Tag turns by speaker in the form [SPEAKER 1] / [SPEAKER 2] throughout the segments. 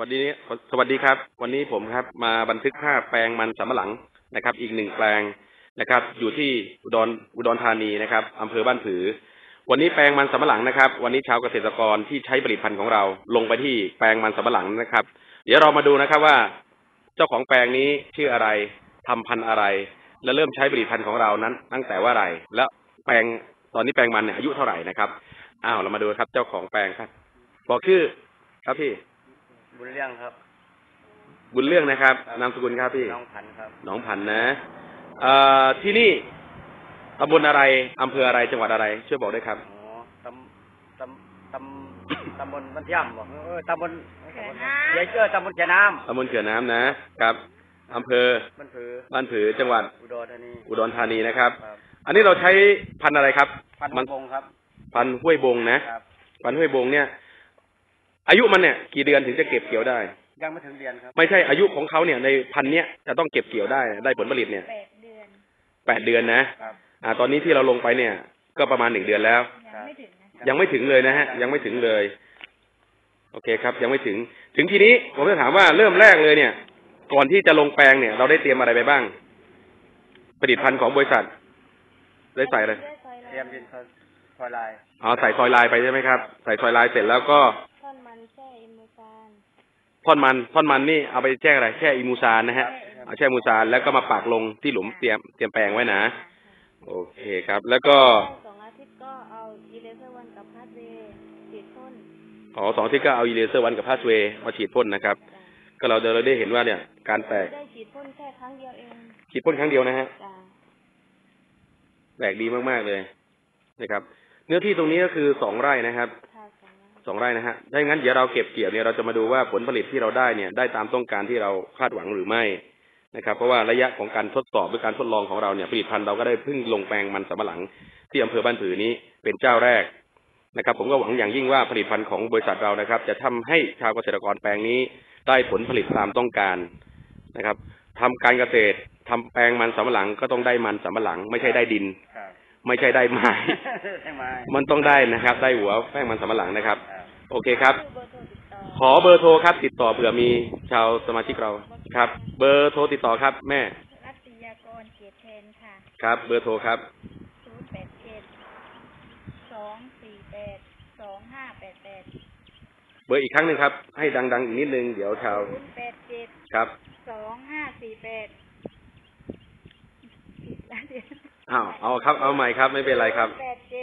[SPEAKER 1] วัสดีสวัสดีครับวันนี้ผมครับมาบันทึกภาพแปลงมันสำปะหลังนะครับอีกหนึ่งแปลงนะครับอยู่ที่อุดรธานีนะครับอำเภอบ้านผือวันนี้แปลงมันสำปะหลังนะครับวันนี้ชาวเกษตรกรที่ใช้ผลิตภัณฑ์ของเราลงไปที่แปลงมันสำปะหลังนะครับเดี๋ยวเรามาดูนะครับว่าเจ้าของแปลงนี้ชื่ออะไรทำพันธุ์อะไรและเริ่มใช้ผลิตภัณฑ์ของเรานั้นตั้งแต่ว่าไรแล้วแปลงตอนนี้แปลงมันเนี่ยอายุเท่าไหร่นะครับเรามาดูครับเจ้าของแปลงครับบอกชื่อครับพี่
[SPEAKER 2] บุญเรื่องครับ
[SPEAKER 1] บุญเรื่องนะครับนามสกุลครับพี่
[SPEAKER 2] น้องพันครับ
[SPEAKER 1] น้องพันนะที่นี่ตำบลอะไรอำเภออะไรจังหวัดอะไรช่วยบอกด้วยครับ
[SPEAKER 2] อ๋อตำบลบ้านย่ำบอกตำบลเขื่อนตำบลเขื่อนน้ำ
[SPEAKER 1] ตำบลเขื่อนน้ำนะครับอำเภอบ้านผือจังหวัดอุดรธานีนะครับอันนี้เราใช้พันธุ์อะไรครับ
[SPEAKER 2] พันธุ์ห้วยบงครับ
[SPEAKER 1] พันธุ์ห้วยบงนะพันธุ์ห้วยบงเนี่ยอายุมันเนี่ยกี่เดือนถึงจะเก็บเกี่ยวได้
[SPEAKER 2] ยังไม่ถึงเดือนครับ
[SPEAKER 1] ไม่ใช่อายุของเขาเนี่ยในพันธุ์เนี้ยจะต้องเก็บเกี่ยวได้ผลผลิตเนี่ย8 เดือนนะตอนนี้ที่เราลงไปเนี่ยก็ประมาณ1 เดือนแล้วยังไม่ถึงเลยนะฮะยังไม่ถึงเลยโอเคครับยังไม่ถึงทีนี้ผมจะถามว่าเริ่มแรกเลยเนี่ยก่อนที่จะลงแปลงเนี่ยเราได้เตรียมอะไรไปบ้างผลิตภัณฑ์ของบริษัทได้ใส่อะไร
[SPEAKER 2] เตรียมดินซอยลาย
[SPEAKER 1] ใส่ซอยลายไปใช่ไหมครับใส่ซอยลายเสร็จแล้วก็ท่อนมันนี่เอาไปแช่อะไรแช่อิมูซานนะฮะเอาแช่อิมูซานแล้วก็มาปักลงที่หลุมเตรียมแปลงไว้นะโอเคครับแล้วก็
[SPEAKER 3] 2 อาทิตย์ก็เอาอีเลเซอร์วันกับพาสเวย์ฉีดพ่น
[SPEAKER 1] 2 อาทิตย์ก็เอาอีเลเซอร์วันกับพาสเวย์มาฉีดพ่นนะครับก็เราได้เห็นว่าเนี่ยการแตก
[SPEAKER 3] ได้ฉีดพ่นแค่ครั้งเดียวเอง
[SPEAKER 1] ฉีดพ่นครั้งเดียวนะฮะแปลกดีมากๆเลยนะครับเนื้อที่ตรงนี้ก็คือ2 ไร่นะครับ2 ไร่นะฮะถ้าอย่างนั้นเดี๋ยวเราเก็บเกี่ยวเนี่ยเราจะมาดูว่าผลผลิตที่เราได้เนี่ยได้ตามต้องการที่เราคาดหวังหรือไม่นะครับเพราะว่าระยะของการทดสอบหรือการทดลองของเราเนี่ยผลิตภัณฑ์เราก็ได้เพิ่งลงแปลงมันสำปะหลังที่อำเภอบ้านผือนี้เป็นเจ้าแรกนะครับผมก็หวังอย่างยิ่งว่าผลิตภัณฑ์ของบริษัทเรานะครับจะทำให้ชาวเกษตรกรแปลงนี้ได้ผลผลิตตามต้องการนะครับทำการเกษตรทำแปลงมันสำปะหลังก็ต้องได้มันสำปะหลังไม่ใช่ได้ดินไม่ใช่ได้ไม้มันต้องได้นะครับได้หัวแป้งมันสำปะหลังนะครับโอเคครับขอเบอร์โทรครับติดต่อเผื่อมีชาวสมาชิกเราครับเบอร์โทรติดต่อครับแม่
[SPEAKER 3] รัตยากรเกียรติแทนค่ะ
[SPEAKER 1] ครับเบอร์โทรครับ
[SPEAKER 3] 087 248 2588
[SPEAKER 1] เบอร์อีกครั้งหนึ่งครับให้ดังๆอีกนิดนึงเดี๋ยวชาว
[SPEAKER 3] 087
[SPEAKER 1] ครับ
[SPEAKER 3] 2548
[SPEAKER 1] เอาครับเอาใหม่ครับไม่เป็นไรครับ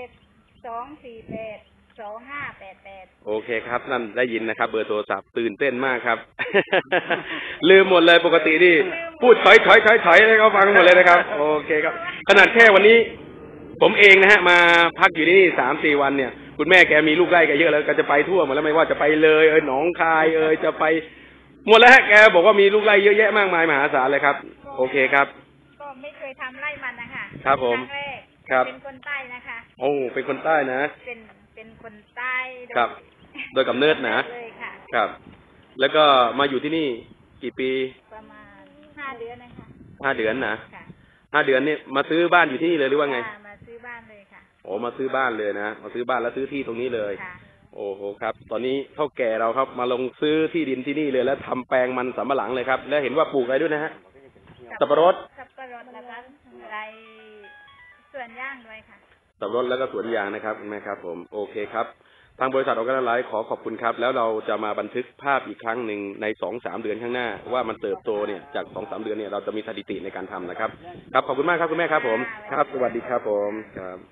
[SPEAKER 3] 87 248 2588
[SPEAKER 1] โอเคครับนั่นได้ยินนะครับเบอร์โทรศัพท์ตื่นเต้นมากครับ ลืมหมดเลยปกตินี่พูดถอยให้เขาฟังหมดเลยนะครับโอเคครับขนาดแค่วันนี้ผมเองนะฮะมาพักอยู่ที่นี่3-4 วันเนี่ยคุณแม่แกมีลูกไร่แกเยอะแล้วก็จะไปทั่วหมดแล้วไม่ว่าจะไปเลยหนองคายจะไปหมดแล้วฮะแกบอกว่ามีลูกไร่เยอะแยะมากมายมหาศาลเลยครับโอเคครับ
[SPEAKER 3] ก็ไม่เคยทำไร่มันนะคะ
[SPEAKER 1] ครับผม
[SPEAKER 3] ครับเป็นคนใต้นะคะ
[SPEAKER 1] โอ้เป็นคนใต้นะ
[SPEAKER 3] เป็นคนใต้
[SPEAKER 1] ครับโดยกำเนิดนะครับแล้วก็มาอยู่ที่นี่กี่ปี
[SPEAKER 3] ประมาณ5 เดือนนะคะ
[SPEAKER 1] 5 เดือนนะ5 เดือนนี่มาซื้อบ้านอยู่ที่นี่เลยหรือว่าไง
[SPEAKER 3] มาซื้อบ้านเลยค่ะ
[SPEAKER 1] โอ้มาซื้อบ้านเลยนะมาซื้อบ้านแล้วซื้อที่ตรงนี้เลยโอ้โหครับตอนนี้เท่าแก่เราครับมาลงซื้อที่ดินที่นี่เลยแล้วทำแปลงมันสำปะหลังเลยครับแล้วเห็นว่าปลูกอะไรด้วยนะฮะสับปะรด
[SPEAKER 3] นะคะไรสวนยางด้วยค่ะ
[SPEAKER 1] สับปะรดแล้วก็สวนยางนะครับคุณแม่ครับผมโอเคครับทางบริษัทออร์แกไนไลท์ขอขอบคุณครับแล้วเราจะมาบันทึกภาพอีกครั้งหนึ่งใน2-3 เดือนข้างหน้าว่ามันเติบโตเนี่ยจาก2-3 เดือนเนี่ยเราจะมีสถิติในการทำนะครับครับขอบคุณมากครับคุณแม่ครับผมครับสวัสดีครับผมครับ